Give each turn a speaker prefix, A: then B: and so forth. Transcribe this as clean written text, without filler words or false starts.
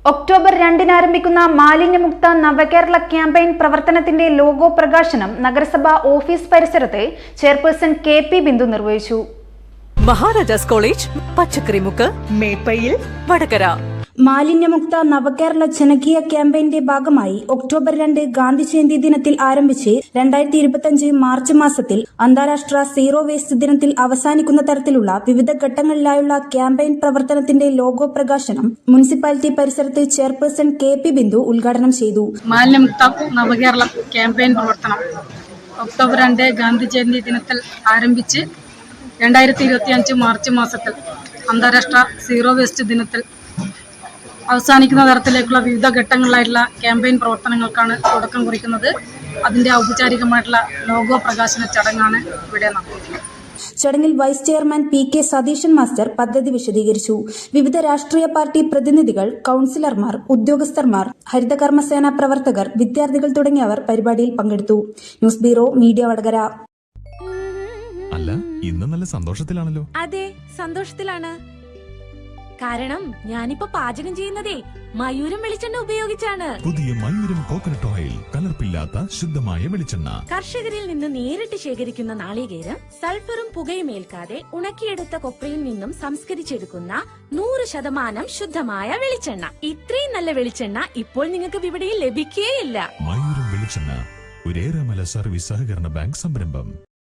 A: October 2-ന് ആരംഭിക്കുന്ന മാലിന്യമുക്ത നവകേരള ക്യാമ്പയിൻ പ്രവർത്തനത്തിന്റെ ലോഗോ പ്രകാശനം നഗരസഭാ ഓഫീസ് പരിസരത്ത് ചെയർപേഴ്സൺ കെ.പി. ബിന്ദു നിർവഹിച്ചു.
B: മഹാരാജാസ് കോളേജ്, പച്ചക്കറിമുക്ക്, മേപ്പയിൽ, വടകര.
C: മാലിന്യമുക്ത നവകേരള ജനകീയ ക്യാമ്പയിന്റെ ഭാഗമായി ഒക്ടോബർ 2 ഗാന്ധി ജയന്തി ദിനത്തിൽ ആരംഭിച്ച് 2025 മാർച്ച് മാസത്തിൽ അന്താരാഷ്ട്ര സീറോ വേസ്റ്റ് ദിനത്തിൽ അവസാനിക്കുന്ന തരത്തിലുള്ള വിവിധ ഘട്ടങ്ങളിലായുള്ള ക്യാമ്പയിൻ പ്രവർത്തനത്തിന്റെ ലോഗോ പ്രകാശനം മുനിസിപ്പാലിറ്റി പരിസരത്ത് ചെയർപേഴ്സൺ കെ.പി. ബിന്ദു ഉദ്ഘാടനം ചെയ്തു.
D: മാലിന്യമുക്ത നവകേരള ക്യാമ്പയിൻ പ്രവർത്തനം ഒക്ടോബർ 2 ഗാന്ധി ജയന്തി ദിനത്തിൽ ആരംഭിച്ച് 2025 മാർച്ച് മാസത്തിൽ അന്താരാഷ്ട്ര സീറോ വേസ്റ്റ് ദിനത്തിൽ അവസാനിക്കുന്ന തരത്തിലേക്കുള്ള വിവിധ ഘട്ടങ്ങളിലായിട്ടുള്ള ക്യാമ്പയിൻ പ്രവർത്തനങ്ങൾക്കാണ് തുടക്കം കുറിക്കുന്നത്. അതിന്റെ ഔപചാരികമായിട്ടുള്ള ലോഗോ പ്രകാശന ചടങ്ങാണ് ഇവിടെ നടക്കുന്നത്.
C: ചടങ്ങിൽ vice chairman P K. Satheesan master പദ്ധതി വിശദീകരിച്ചു. വിവിധ രാഷ്ട്രീയ പാർട്ടി പ്രതിനിധികൾ, കൌൺസിലർമാർ, ഉദ്യോഗസ്ഥർമാർ, ഹരിതകർമ്മസേന പ്രവർത്തകർ, വിദ്യാർത്ഥികൾ തുടങ്ങിയവർ പരിപാടിയിൽ പങ്കെടുത്തു. News bureau, media, Vadakara.
E: അല്ല, ഇന്ന് നല്ല സന്തോഷത്തിലാണല്ലോ.
F: അതെ, സന്തോഷത്തിലാണ്. കാരണം ഞാനിപ്പോ പാചകം ചെയ്യുന്നതേ മയൂരം വെളിച്ചെണ്ണ ഉപയോഗിച്ചാണ്.
E: പുതിയ മയൂരം കോക്കനട്ട് ഓയിൽ, കലർപ്പില്ലാത്ത ശുദ്ധമായ വെളിച്ചെണ്ണ.
F: കർഷകരിൽ നിന്ന് നേരിട്ട് ശേഖരിക്കുന്ന നാളികേരം സൾഫറും പുകയും ഏൽക്കാതെ ഉണക്കിയെടുത്ത കൊപ്രയിൽ നിന്നും സംസ്കരിച്ചെടുക്കുന്ന 100% ശുദ്ധമായ വെളിച്ചെണ്ണ. ഇത്രയും നല്ല വെളിച്ചെണ്ണ ഇപ്പോൾ നിങ്ങൾക്ക് വിപണിയിൽ ലഭിക്കുകയില്ല.
E: മയൂരം വെളിച്ചെണ്ണ, ഒരു ഏറെമല സർവീസ് സഹകരണ ബാങ്ക് സംരംഭം.